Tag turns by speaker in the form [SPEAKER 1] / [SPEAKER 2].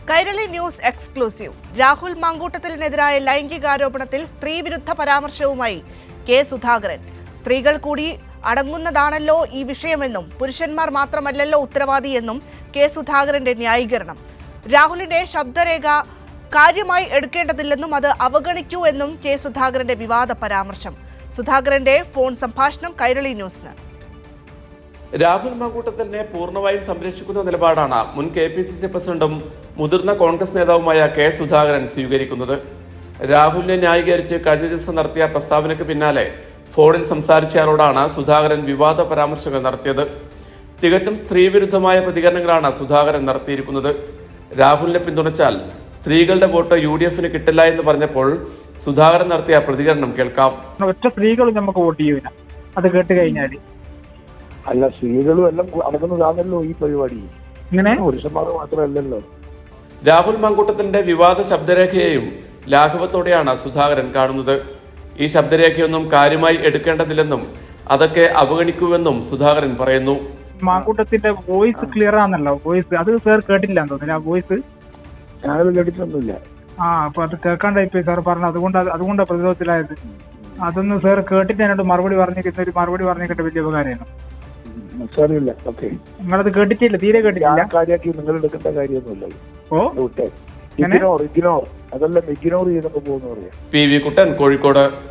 [SPEAKER 1] Kairali news exclusive. Rahul മാങ്കൂട്ടത്തിനെതിരായ ലൈംഗികാരോപണത്തിൽ സ്ത്രീവിരുദ്ധ പരാമർശവുമായി കെ സുധാകരൻ. സ്ത്രീകൾ കൂടി അടങ്ങുന്നതാണല്ലോ ഈ വിഷയമെന്നും പുരുഷന്മാർ മാത്രമല്ലല്ലോ ഉത്തരവാദിയെന്നും കെ സുധാകരന്റെ ന്യായീകരണം. രാഹുലിന്റെ ശബ്ദരേഖ കാര്യമായി എടുക്കേണ്ടതില്ലെന്നും അത് അവഗണിക്കൂ എന്നും കെ സുധാകരന്റെ വിവാദ പരാമർശം. സുധാകരന്റെ ഫോൺ സംഭാഷണം കൈരളി ന്യൂസിന്.
[SPEAKER 2] രാഹുൽ മാങ്കൂട്ടത്തിലിനെ പൂർണ്ണമായും സംരക്ഷിക്കുന്ന നിലപാടാണ് മുൻ KPCC പ്രസിഡന്റും മുതിർന്ന കോൺഗ്രസ് നേതാവുമായ കെ സുധാകരൻ സ്വീകരിക്കുന്നത്. രാഹുലിനെ ന്യായീകരിച്ച് കഴിഞ്ഞ ദിവസം നടത്തിയ പ്രസ്താവനയ്ക്ക് പിന്നാലെ ഫോണിൽ സംസാരിച്ചയാളോടാണ് സുധാകരൻ വിവാദ പരാമർശങ്ങൾ നടത്തിയത്. തികച്ചും സ്ത്രീവിരുദ്ധമായ പ്രതികരണങ്ങളാണ് സുധാകരൻ നടത്തിയിരിക്കുന്നത്. രാഹുലിനെ പിന്തുണച്ചാൽ സ്ത്രീകളുടെ വോട്ട് UDF കിട്ടില്ല എന്ന് പറഞ്ഞപ്പോൾ സുധാകരൻ നടത്തിയ പ്രതികരണം കേൾക്കാം.
[SPEAKER 3] ഒറ്റ സ്ത്രീകളും നമുക്ക് വോട്ട് ചെയ്യൂല, അത് കേട്ട് കഴിഞ്ഞാൽ.
[SPEAKER 4] അല്ല, സ്ത്രീകളും എല്ലാം അടങ്ങുന്നതാണല്ലോ ഈ പരിപാടി.
[SPEAKER 3] ഇങ്ങനെ
[SPEAKER 4] പുരുഷന്മാർ മാത്രമല്ലല്ലോ.
[SPEAKER 2] രാഹുൽ മാങ്കൂട്ടത്തിന്റെ വിവാദ ശബ്ദരേഖയെയും ലാഘവത്തോടെയാണ് സുധാകരൻ കാണുന്നത്. ഈ ശബ്ദരേഖയൊന്നും കാര്യമായി എടുക്കേണ്ടതില്ലെന്നും അതൊക്കെ അവഗണിക്കുമെന്നും സുധാകരൻ പറയുന്നു.
[SPEAKER 3] മാങ്കൂട്ടത്തിന്റെ വോയിസ് ക്ലിയർ ആണല്ലോ, വോയിസ് അത് സാർ കേട്ടില്ല തോന്നുന്നില്ല. ആ വോയിസ്
[SPEAKER 4] ഞാനത് കേട്ടിട്ടൊന്നുമില്ല.
[SPEAKER 3] അപ്പൊ അത് കേൾക്കാണ്ടായിപ്പോയി സാർ പറഞ്ഞു. അതുകൊണ്ടാണ് പ്രതിരോധത്തിലായത്. അതൊന്ന് സാർ കേട്ടിട്ട് എന്നോട് മറുപടി പറഞ്ഞിട്ട് വലിയ ഉപകാരമാണ്.
[SPEAKER 4] സാരമില്ല, ഓക്കെ.
[SPEAKER 3] നിങ്ങളത് കേട്ടിട്ടില്ല, തീരെ കേട്ടിട്ടില്ല.
[SPEAKER 4] കാര്യമാക്കി നിങ്ങൾ എടുക്കേണ്ട കാര്യമൊന്നുമില്ല.
[SPEAKER 3] ഓ
[SPEAKER 4] ഇഗ്നോർ അതെല്ലാം ഇഗ്നോർ ചെയ്തൊക്കെ പോകുന്ന പറയാം.
[SPEAKER 2] PV കുട്ടൻ, കോഴിക്കോട്.